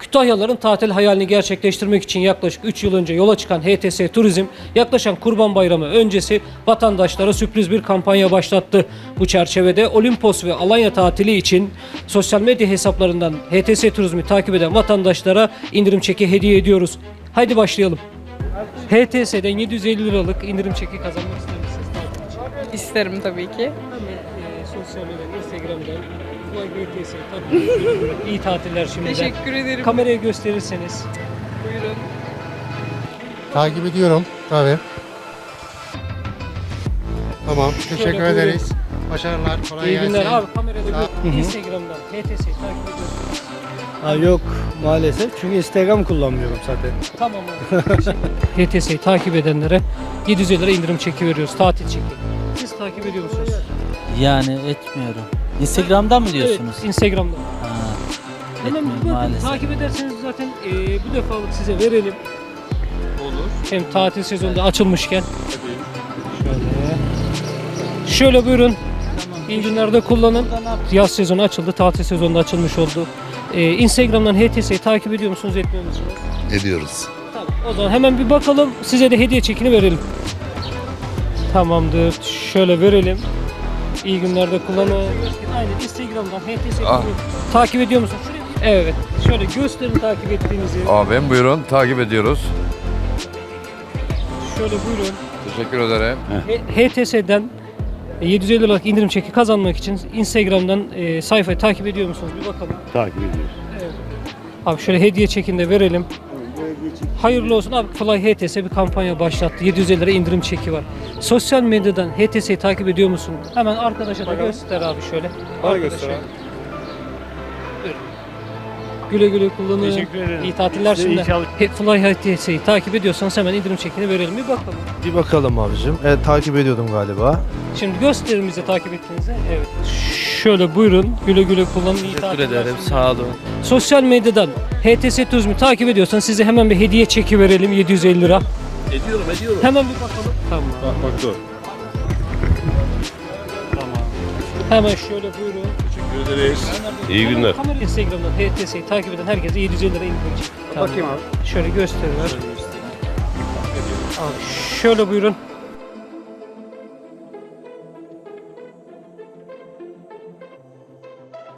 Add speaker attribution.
Speaker 1: Kütahyalıların tatil hayalini gerçekleştirmek için yaklaşık 3 yıl önce yola çıkan HTS Turizm, yaklaşan Kurban Bayramı öncesi vatandaşlara sürpriz bir kampanya başlattı. Bu çerçevede Olimpos ve Alanya tatili için sosyal medya hesaplarından HTS Turizm'i takip eden vatandaşlara indirim çeki hediye ediyoruz. Haydi başlayalım. HTS'den 750 liralık indirim çeki kazanmak ister misiniz?
Speaker 2: İsterim tabii ki.
Speaker 1: Hemen sosyal medya, Instagram'dan HTS tabii iyi tatiller şimdiden.
Speaker 2: Teşekkür ederim.
Speaker 1: Kameraya gösterirseniz.
Speaker 2: Buyurun.
Speaker 3: Takip ediyorum tabii. Tamam, teşekkür
Speaker 1: buyurun.
Speaker 3: ederiz. Başarılar, kolay
Speaker 1: İyi
Speaker 3: gelsin.
Speaker 1: günler abi, kamerada
Speaker 3: Sağ-
Speaker 1: Instagram'dan HTS'yi takip ediyorsunuz.
Speaker 4: Ha, yok maalesef çünkü Instagram kullanmıyorum zaten.
Speaker 1: Tamam abi. HTS'yi takip edenlere 750 lira indirim çeki veriyoruz, tatil çeki. Siz takip ediyor musunuz?
Speaker 5: Yani etmiyorum. Instagram'dan mı diyorsunuz?
Speaker 1: Evet, Instagram'dan.
Speaker 5: Ha,
Speaker 1: Hemen
Speaker 5: etmiyorum
Speaker 1: bakın,
Speaker 5: maalesef.
Speaker 1: takip ederseniz zaten bu defalık size verelim. Olur. Hem tatil sezonunda açılmışken. Şöyle buyurun. İyi günlerde kullanın. Yaz sezonu açıldı, tatil sezonu da açılmış oldu. Instagram'dan HTS'yi takip ediyor musunuz, etmiyor musunuz?
Speaker 6: Ediyoruz.
Speaker 1: Tamam. O zaman hemen bir bakalım. Size de hediye çekini verelim. Tamamdır. Şöyle verelim. İyi günlerde kullanın. Aynen, Instagram'dan HTS'yi takip ediyor musunuz? Evet. Şöyle gösterin takip ettiğinizi.
Speaker 6: Abim buyurun takip ediyoruz.
Speaker 1: Şöyle buyurun.
Speaker 6: Teşekkür ederim.
Speaker 1: HTS'den 750 liralık indirim çeki kazanmak için Instagram'dan sayfayı takip ediyor musunuz? Bir bakalım.
Speaker 4: Takip ediyoruz.
Speaker 1: Evet. Abi şöyle hediye çekini de verelim. Hayırlı olsun abi. Fly HTS bir kampanya başlattı. 750 lira indirim çeki var. Sosyal medyadan HTS'yi takip ediyor musun? Hemen arkadaşa da göster abi şöyle. Arkadaşa. Buyurun. Güle güle kullanın.
Speaker 4: Teşekkür ederim.
Speaker 1: İyi tatiller
Speaker 4: Size iyi
Speaker 1: şimdi. Fly HTS'yi takip ediyorsanız hemen indirim çekini verelim. Bir bakalım.
Speaker 7: Bir bakalım abicim. Evet, takip ediyordum galiba.
Speaker 1: Şimdi gösterin bize takip ettiğinizi. Evet. Şöyle buyurun. Güle güle kullanın. İyi
Speaker 5: Teşekkür
Speaker 1: tatiller
Speaker 5: ederim.
Speaker 1: şimdi.
Speaker 5: Sağ olun.
Speaker 1: Sosyal medyadan HTS Turizm'i takip ediyorsanız size hemen bir hediye çeki verelim, 750 lira. Ediyorum. Hemen bir bakalım. Tamam.
Speaker 7: Bak dur.
Speaker 1: Hemen şöyle buyurun.
Speaker 7: Teşekkür ederiz. İyi günler.
Speaker 1: Kamera Instagram'dan HTS'yi takip eden herkese 750 lira indirim çeki. Tamam. Bakayım abi. Şöyle gösteriyor. Abi şöyle buyurun.